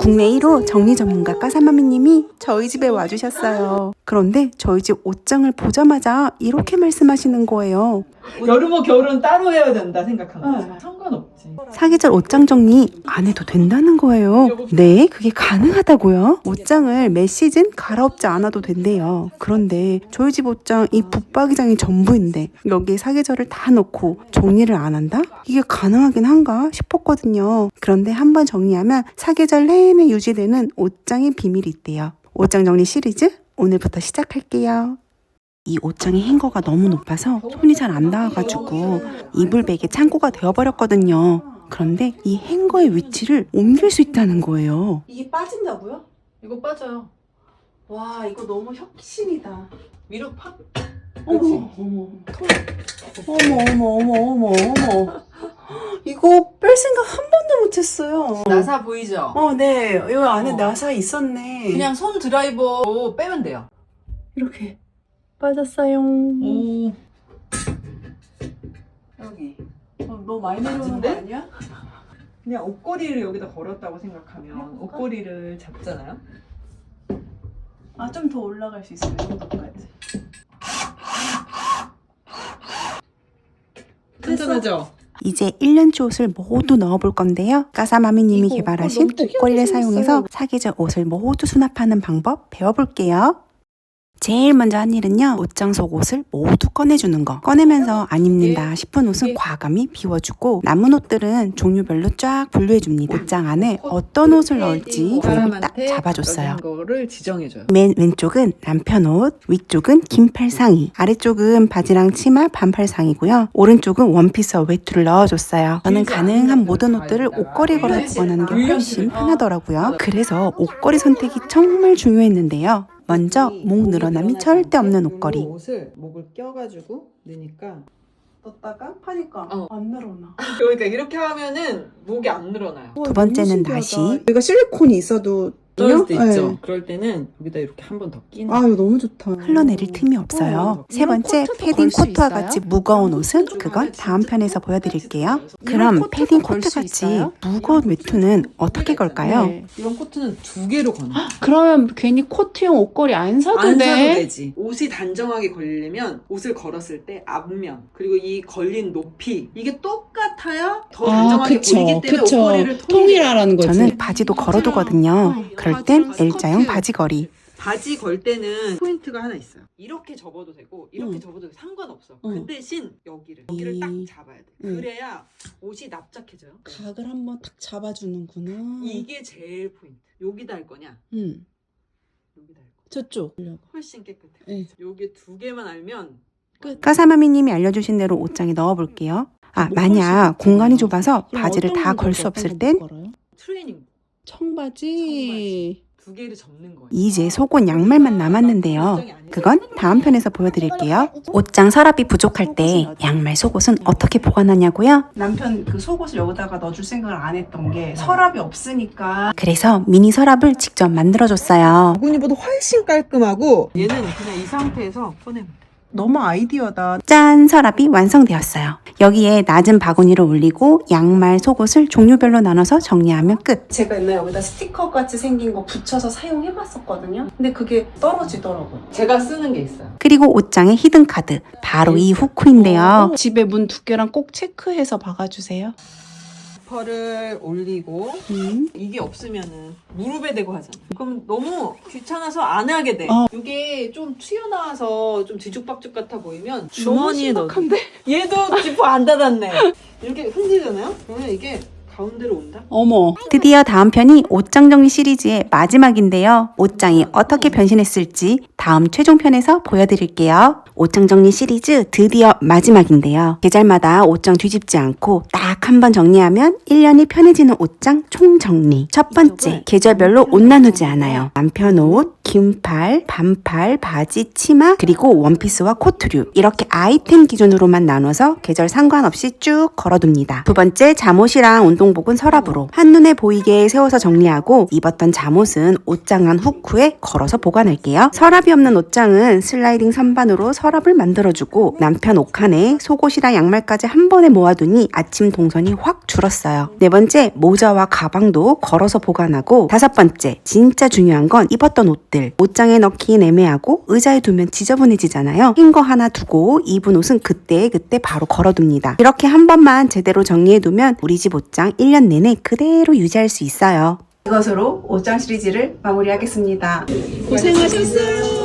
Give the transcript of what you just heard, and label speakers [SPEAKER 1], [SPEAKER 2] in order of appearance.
[SPEAKER 1] 국내 1호 정리 전문가 까사마미님이 저희 집에 와주셨어요. 그런데 저희 집 옷장을 보자마자 이렇게 말씀하시는 거예요.
[SPEAKER 2] 여름옷 겨울은 따로 해야 된다 생각하는 거지. 상관없지.
[SPEAKER 1] 사계절 옷장 정리 안 해도 된다는 거예요. 네, 그게 가능하다고요? 옷장을 매 시즌 갈아엎지 않아도 된대요. 그런데 저희 집 옷장 이 붙박이장이 전부인데 여기에 사계절을 다 넣고 정리를 안 한다? 이게 가능하긴 한가 싶었거든요. 그런데 한번 정리하면 사계절 내내 유지되는 옷장의 비밀이 있대요. 옷장 정리 시리즈 오늘부터 시작할게요. 이 옷장의 행거가 너무 높아서 손이 잘 안 닿아가지고 이불백에 창고가 되어버렸거든요. 그런데 이 행거의 위치를 옮길 수 있다는 거예요. 이게 빠진다고요?
[SPEAKER 2] 이거 빠져요.
[SPEAKER 1] 와, 이거 너무 혁신이다.
[SPEAKER 2] 위로 팍.
[SPEAKER 1] 어머, 어머, 어머. 이거 뺄 생각 한 번도 못했어요.
[SPEAKER 2] 나사 보이죠?
[SPEAKER 1] 네. 여기 안에 나사 있었네.
[SPEAKER 2] 그냥 손 드라이버로 빼면 돼요.
[SPEAKER 1] 이렇게 빠졌어요.
[SPEAKER 2] 오.
[SPEAKER 1] 여기. 너무 많이 내려오는 거
[SPEAKER 2] 맞은데?
[SPEAKER 1] 아니야?
[SPEAKER 2] 그냥 옷걸이를 여기다 걸었다고 생각하면 옷걸이를 잡잖아요.
[SPEAKER 1] 아, 좀 더 올라갈 수 있어요. 이 정도까지.
[SPEAKER 2] 튼튼하죠?
[SPEAKER 1] 이제 1년치 옷을 모두 넣어볼 건데요. 까사마미님이
[SPEAKER 2] 이거
[SPEAKER 1] 개발하신
[SPEAKER 2] 너무 특이하게
[SPEAKER 1] 옷걸이를
[SPEAKER 2] 생겼어요.
[SPEAKER 1] 사용해서 사계절 옷을 모두 수납하는 방법 배워볼게요. 제일 먼저 한 일은요, 옷장 속 옷을 모두 꺼내주는 거. 꺼내면서 안 입는다 싶은 옷은 과감히 비워주고 남은 옷들은 종류별로 쫙 분류해줍니다. 옷장 안에 어떤 옷을 넣을지 구획을 딱 잡아줬어요.
[SPEAKER 2] 거를 지정해줘요.
[SPEAKER 1] 맨 왼쪽은 남편 옷, 위쪽은 긴팔 상의, 아래쪽은 바지랑 치마 반팔 상이고요. 오른쪽은 원피스와 외투를 넣어줬어요. 저는 가능한 모든 옷들을 옷걸이에 걸어 보관하는 게 훨씬 편하더라고요. 그래서 옷걸이 선택이 정말 중요했는데요. 먼저 목 늘어남이 절대 없는 옷걸이.
[SPEAKER 2] 옷을 목을 껴가지고 넣으니까
[SPEAKER 1] 넣었다가 하니까 안 늘어나.
[SPEAKER 2] 그러니까 이렇게 하면은 목이 안 늘어나요.
[SPEAKER 1] 두 번째는 나시.
[SPEAKER 3] 여기가 실리콘이 있어도
[SPEAKER 2] 떨어질 때 있죠.
[SPEAKER 3] 네.
[SPEAKER 2] 그럴 때는 여기다 이렇게 한 번 더 끼는.
[SPEAKER 3] 아, 이거 너무 좋다.
[SPEAKER 1] 흘러내릴 틈이 없어요. 세 번째, 패딩 코트와 같이 무거운 옷은 그건 다음 편에서 보여드릴게요. 그럼 패딩 코트같이 무거운 외투는 어떻게 걸까요?
[SPEAKER 2] 이런 코트는 두 개로 거는.
[SPEAKER 4] 그러면 괜히 코트용 옷걸이 안 사도
[SPEAKER 2] 안
[SPEAKER 4] 돼.
[SPEAKER 2] 사도 되지. 옷이 단정하게 걸리려면 옷을 걸었을 때 앞면 그리고 이 걸린 높이 이게 똑같아야 더 단정하게 보이기 때문에 옷걸이를
[SPEAKER 4] 통일하라는 거지.
[SPEAKER 1] 저는 바지도 걸어두거든요. 그럴 땐 L자형 바지걸이.
[SPEAKER 2] 바지 걸 때는 포인트가 하나 있어요. 이렇게 접어도 되고 이렇게 접어도 상관없어. 그 대신 여기를 딱 잡아야 돼. 그래야 옷이 납작해져요.
[SPEAKER 3] 각을 한번 딱 잡아주는구나.
[SPEAKER 2] 이게 제일 포인트. 여기다 할 거냐?
[SPEAKER 3] 응.
[SPEAKER 2] 여기다 할 거냐?
[SPEAKER 3] 저쪽.
[SPEAKER 2] 훨씬 깨끗해.
[SPEAKER 3] 네.
[SPEAKER 2] 여기 두 개만 알면 끝.
[SPEAKER 1] 까사마미님이 알려주신 대로 옷장에 넣어볼게요. 만약 공간이 좁아서 바지를 다 걸 수 없을 땐
[SPEAKER 2] 트레이닝
[SPEAKER 3] 청바지.
[SPEAKER 2] 두 개를 접는 거예요.
[SPEAKER 1] 이제 속옷 양말만 남았는데요. 그건 다음 편에서 보여드릴게요. 옷장 서랍이 부족할 때 양말 속옷은 어떻게 보관하냐고요?
[SPEAKER 3] 남편 그 속옷을 여기다가 넣어줄 생각을 안 했던 게 서랍이 없으니까.
[SPEAKER 1] 그래서 미니 서랍을 직접 만들어줬어요.
[SPEAKER 3] 바구니보다 훨씬 깔끔하고
[SPEAKER 2] 얘는 그냥 이 상태에서 꺼내면 돼.
[SPEAKER 3] 너무 아이디어다.
[SPEAKER 1] 짠! 서랍이 완성되었어요. 여기에 낮은 바구니를 올리고 양말, 속옷을 종류별로 나눠서 정리하면 끝.
[SPEAKER 3] 제가 옛날에 여기다 스티커 같이 생긴 거 붙여서 사용해봤었거든요. 근데 그게 떨어지더라고요.
[SPEAKER 2] 제가 쓰는 게 있어요.
[SPEAKER 1] 그리고 옷장의 히든카드, 바로 이 후크인데요.
[SPEAKER 4] 집에 문 두께랑 꼭 체크해서 박아주세요.
[SPEAKER 2] 지퍼를 올리고 이게 없으면은 무릎에 대고 하잖아. 그럼 너무 귀찮아서 안 하게 돼. 이게 좀 튀어나와서 좀 뒤죽박죽 같아 보이면 주머니에 넣어. 얘도 지퍼 안 닫았네. 이렇게 흔들잖아요. 그러면 이게 가운데로 온다.
[SPEAKER 4] 어머.
[SPEAKER 1] 드디어 다음 편이 옷장 정리 시리즈의 마지막인데요. 옷장이 어떻게 변신했을지 다음 최종편에서 보여드릴게요. 옷장 정리 시리즈 드디어 마지막인데요. 계절마다 옷장 뒤집지 않고 딱 한 번 정리하면 1년이 편해지는 옷장 총정리. 첫 번째, 계절별로 옷 나누지 않아요. 남편 옷, 긴팔, 반팔, 바지, 치마, 그리고 원피스와 코트류. 이렇게 아이템 기준으로만 나눠서 계절 상관없이 쭉 걸어둡니다. 두 번째, 잠옷이랑 운동 이동복은 서랍으로 한눈에 보이게 세워서 정리하고 입었던 잠옷은 옷장 안 후크에 걸어서 보관할게요. 서랍이 없는 옷장은 슬라이딩 선반으로 서랍을 만들어주고 남편 옷칸에 속옷이랑 양말까지 한 번에 모아두니 아침 동선이 확 줄었어요. 네 번째, 모자와 가방도 걸어서 보관하고 다섯 번째, 진짜 중요한 건 입었던 옷들. 옷장에 넣기엔 애매하고 의자에 두면 지저분해지잖아요. 흰 거 하나 두고 입은 옷은 그때 바로 걸어둡니다. 이렇게 한 번만 제대로 정리해두면 우리 집 옷장 1년 내내 그대로 유지할 수 있어요.
[SPEAKER 3] 이것으로 옷장 시리즈를 마무리하겠습니다.
[SPEAKER 2] 고생하셨어요.